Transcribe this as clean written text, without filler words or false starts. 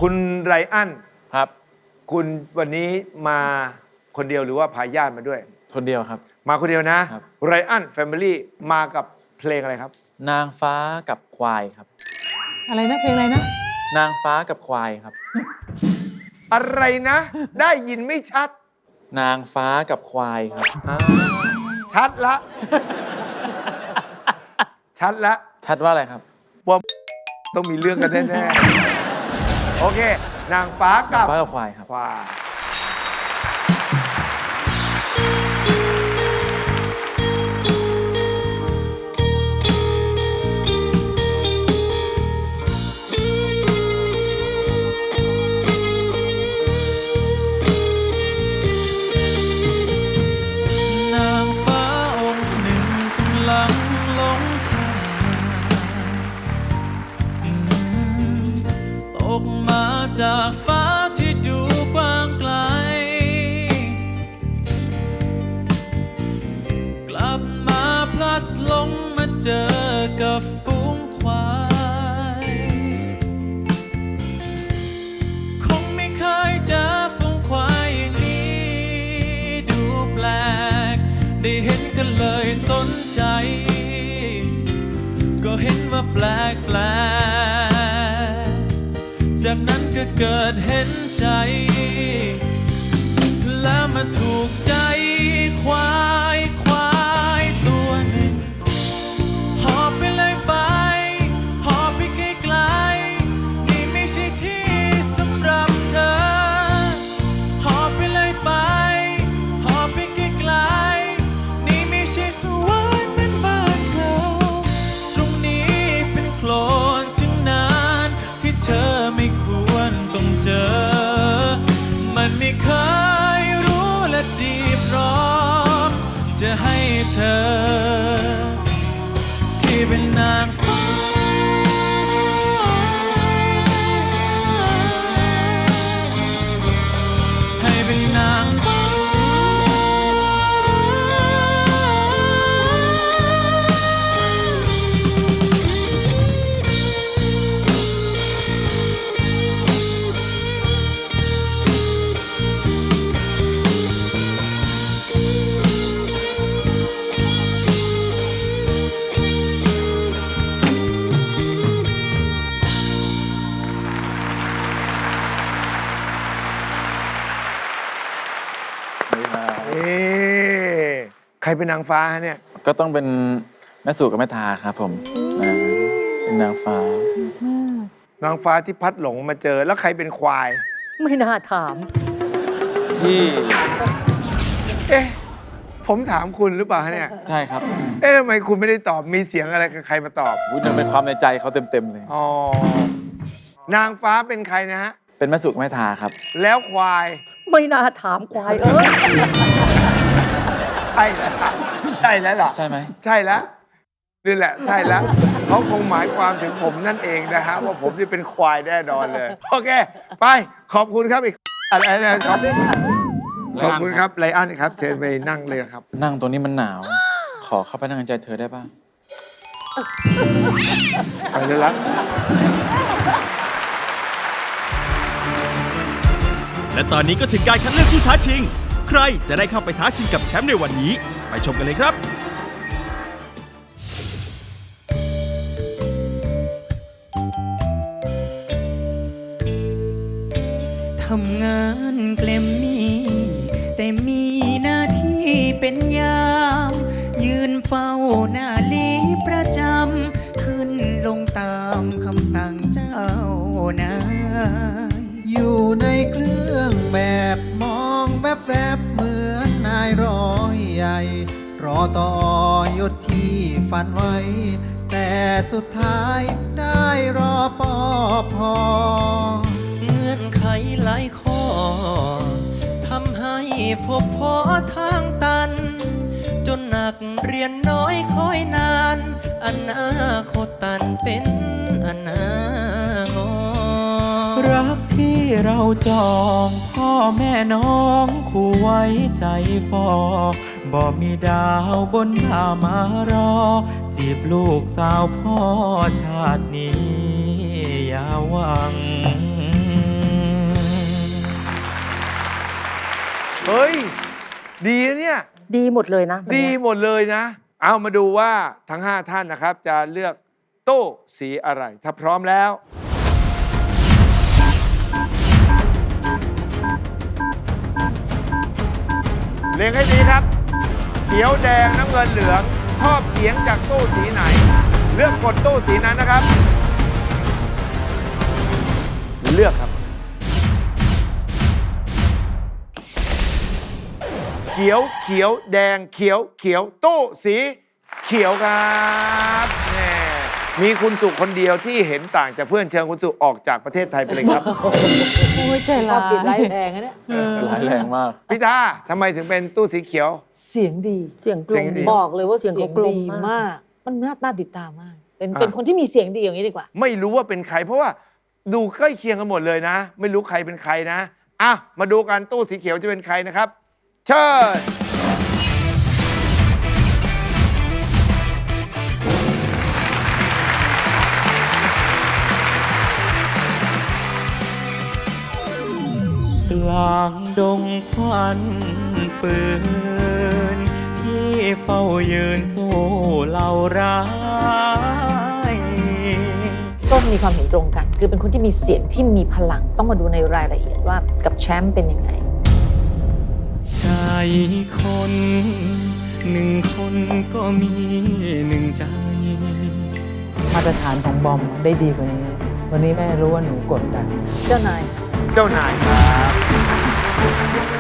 คุณไรอันครับคุณวันนี้มาคนเดียวหรือว่าพาญาติมาด้วยคนเดียวครับมาคนเดียวนะไรอันแฟมิลี่มากับเพลงอะไรครับนางฟ้ากับควายครับอะไรนะเพลงอะไรนะนางฟ้ากับควายครับอะไรนะได้ยินไม่ชัดนางฟ้ากับควายครับชัดละชัดละชัดว่าอะไรครับว่าต้องมีเรื่องกันแน่ๆโอเคนางฟ้ากับควายครับควายจากฟ้าที่ดูกว้างไกลกลับมาพลัดหลงมาเจอกับฝูงควายคงไม่เคยเจอฝูงควายอย่างนี้ดูแปลกได้เห็นกันเลยสนใจก็เห็นว่าแปลกจากนั้นก็เกิดเห็นใจแล้วมาถูกใจควายตัวหนึ่งหอบไปเลยไปหอบไปไกลๆนี่ไม่ใช่ที่สำหรับเธอหอบไปเลยไปหอบไปไกลๆนี่ไม่ใช่สวรรค์เหมือนบ้านเธอตรงนี้เป็นโคลนจึงนานที่เธอไม่ควรต้องเจอมันไม่เคยรู้และดีพร้อมจะให้เธอที่เป็นนางฟ้าให้เป็นนางฟ้าใครเป็นนางฟ้าฮะเนี่ยก็ต้องเป็นแม่สู่กับแม่ทาครับผมเป็นนางฟ้านางฟ้าที่พัดหลงมาเจอแล้วใครเป็นควายไม่น่าถามที่ผมถามคุณหรือเปล่าฮะเนี่ยใช่ครับทำไมคุณไม่ได้ตอบมีเสียงอะไรกับใครมาตอบมันเป็นความในใจเขาเต็มเลยอ๋อนางฟ้าเป็นใครนะฮะเป็นแม่สู่กับแม่ทาครับแล้วควายไม่น่าถามควายใช่แล้วใช่แล้วเหรอใช่ไหมใช่แล้วนี่แหละใช่แล้วเขาคงหมายความถึงผมนั่นเองนะฮะว่าผมนี่เป็นควายแน่นอนเลยโอเคไปขอบคุณครับอีกอะไรนะขอบคุณครับไลอ้อนครับเชิญไปนั่งเลยครับนั่งตรงนี้มันหนาวขอเข้าไปนั่งในใจเธอได้ป่ะไปเลยละและตอนนี้ก็ถึงการคัดเลือกผู้ท้าชิงใครจะได้เข้าไปท้าชิงกับแชมป์ในวันนี้ไปชมกันเลยครับทำงานเกลมมี่แต่มีหน้าที่เป็นยามยืนเฝ้าหน้าลีประจำขึ้นลงตามคำสั่งเจ้านายอยู่ในเครื่องแบบมองแวบๆเหมือนนายร้อยใหญ่รอต่อยศที่ฝันไว้แต่สุดท้ายได้รอปอพอเงื่อนไขหลายข้อทำให้พบพอทางตันจนหนักเรียนน้อยคอยนานอนาคตตันเป็นอนางอรักที่เราจองพ่อแม่น้องคู่ไว้ใจฟอบ่มีดาวบนหน้ามารอจีบลูกสาวพ่อชาตินี้อย่าหวังเฮ้ย ดีนะเนี่ยดีหมดเลยนะวันดีเนี้ยหมดเลยนะ เอามาดูว่าทั้ง 5 ท่านนะครับ จะเลือกตู้สีอะไร ถ้าพร้อมแล้ว เรียงให้ดีครับ เขียวแดงน้ำเงินเหลือง ชอบเสียงจากตู้สีไหน เลือกกดตู้สีนั้นนะครับ เลือกครับ เขียวเขียวแดงเขียวเขียวตู้สีเขียวครับแหม่มีคุณสุคนเดียวที่เห็นต่างจากเพื่อนเชิญคุณสุออกจากประเทศไทยไปเลยครับโอ้ยใจก็ร้ายปิดไล่แพงนะเนี่ยร้ายแรงมากพี่ตาทำไมถึงเป็นตู้สีเขียวเสียงดีเสียงกลมเสียงดีบอกเลยว่าเสีเสียยงงเขากลมดีมากมาก มันน่าติดตามมาก เป็นอ่ะเป็นคนที่มีเสียงดีอย่างนี้ดีกว่าไม่รู้ว่าเป็นใคร เพราะว่าดูใกล้เคียงกันหมดเลยนะ ไม่รู้ใครเป็นใครนะอ่ะมาดูกันตู้สีเขียวจะเป็นใครนะครับ เชิญกลางดงควันปืน พี่เฝ้ายืนสู้เหล่าร้ายก็มีความเห็นตรงกัน คือเป็นคนที่มีเสียงที่มีพลัง ต้องมาดูในรายละเอียดว่ากับแชมป์เป็นยังไงใจคนหนึ่งคนก็มีหนึ่งใจมาตรฐานของบอมได้ดีกว่านี้ วันนี้แม่รู้ว่าหนูกดดันเจ้านายเจ้านายครับ